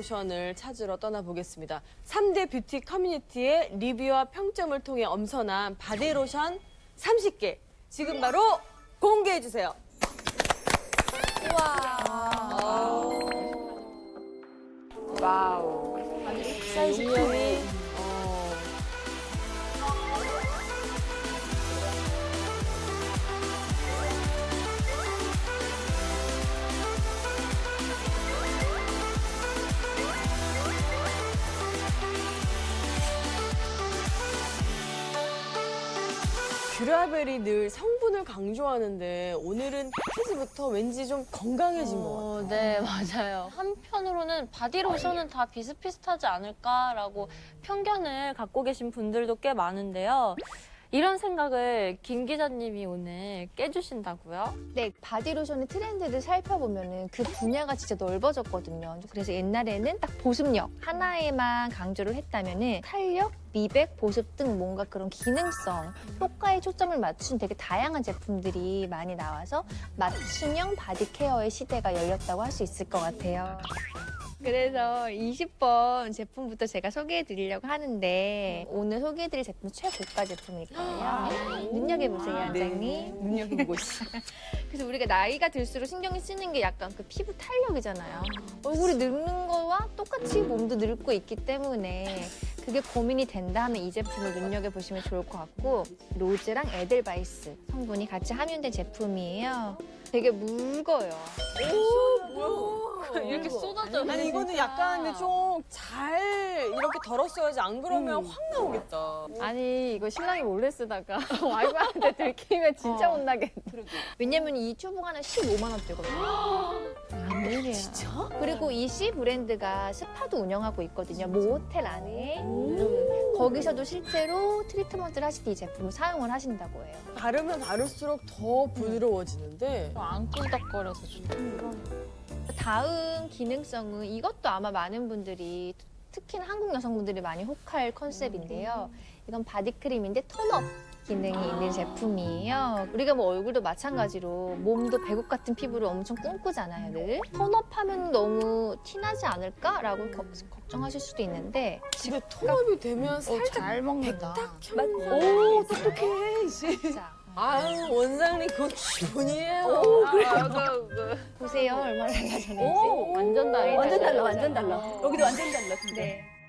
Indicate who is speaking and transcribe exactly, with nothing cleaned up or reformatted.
Speaker 1: 바디로션을 찾으러 떠나보겠습니다. 삼 대 뷰티 커뮤니티의 리뷰와 평점을 통해 엄선한 바디로션 삼십 개 지금 바로 공개해주세요.
Speaker 2: 와우.
Speaker 1: 사이즈 유형이 뷰라벨이 늘 성분을 강조하는데 오늘은 패키지부터 왠지 좀 건강해진 것 같아요.
Speaker 3: 어, 네, 맞아요. 한편으로는 바디로션은 다 비슷비슷하지 않을까라고 편견을 갖고 계신 분들도 꽤 많은데요. 이런 생각을 김 기자님이 오늘 깨주신다고요?
Speaker 2: 네, 바디로션의 트렌드를 살펴보면은 그 분야가 진짜 넓어졌거든요. 그래서 옛날에는 딱 보습력 하나에만 강조를 했다면은 탄력, 미백, 보습 등 뭔가 그런 기능성, 효과에 초점을 맞춘 되게 다양한 제품들이 많이 나와서 맞춤형 바디 케어의 시대가 열렸다고 할 수 있을 것 같아요. 그래서 이십 번 제품부터 제가 소개해 드리려고 하는데 오늘 소개해 드릴 제품은 최고가 제품일 거예요. 눈여겨보세요, 원장님.
Speaker 1: 눈여겨보고 있어.
Speaker 2: 그래서 우리가 나이가 들수록 신경이 쓰는 게 약간 그 피부 탄력이잖아요. 얼굴이 늙는 거와 똑같이 몸도 늙고 있기 때문에 그게 고민이 된다 하면 이 제품을 눈여겨보시면 좋을 것 같고 로즈랑 에델바이스 성분이 같이 함유된 제품이에요. 되게 묽어요.
Speaker 1: 오, 뭐야.
Speaker 3: 이렇게 쏟아져.
Speaker 1: 아니 이거는 약간 근데 좀 잘 이렇게 덜었어야지 안 그러면 확 나오겠다.
Speaker 4: 아니 이거 신랑이 몰래 쓰다가 와이프한테 들키면 진짜
Speaker 2: 어.
Speaker 4: 혼나겠네.
Speaker 2: 왜냐면 이 튜브가 하나 십오만 원대거든요.
Speaker 4: 웬일이야.
Speaker 1: 진짜?
Speaker 2: 그리고 이 C 브랜드가 스파도 운영하고 있거든요. 모호텔 안에. 음, 거기서도 실제로 트리트먼트를 하실 때 이 제품을 사용을 하신다고 해요.
Speaker 1: 바르면 바를수록 더 부드러워지는데
Speaker 3: 안 꿀덕거려서 좋다.
Speaker 2: 다음 기능성은 이것도 아마 많은 분들이 특히나 한국 여성분들이 많이 혹할 컨셉인데요. 이건 바디크림인데 톤업 기능이 있는 제품이에요. 우리가 뭐 얼굴도 마찬가지로 몸도 배국 같은 피부를 엄청 꿈꾸잖아요, 늘. 톤업하면 너무 티나지 않을까라고 겨- 걱정하실 수도 있는데
Speaker 1: 집에 톤업이 되면 살짝
Speaker 4: 잘 먹는다.
Speaker 1: 백탁형. 오 똑똑해. 씨.
Speaker 2: 진짜
Speaker 1: 아유 원장님 그건 기본이에요.
Speaker 2: 보세요 얼마나 달라졌는지.
Speaker 1: 오,
Speaker 4: 완전 달라.
Speaker 1: 완전 달라,
Speaker 4: 완전
Speaker 1: 완전 달라. 여기도 완전 달라. 근데.
Speaker 2: 네.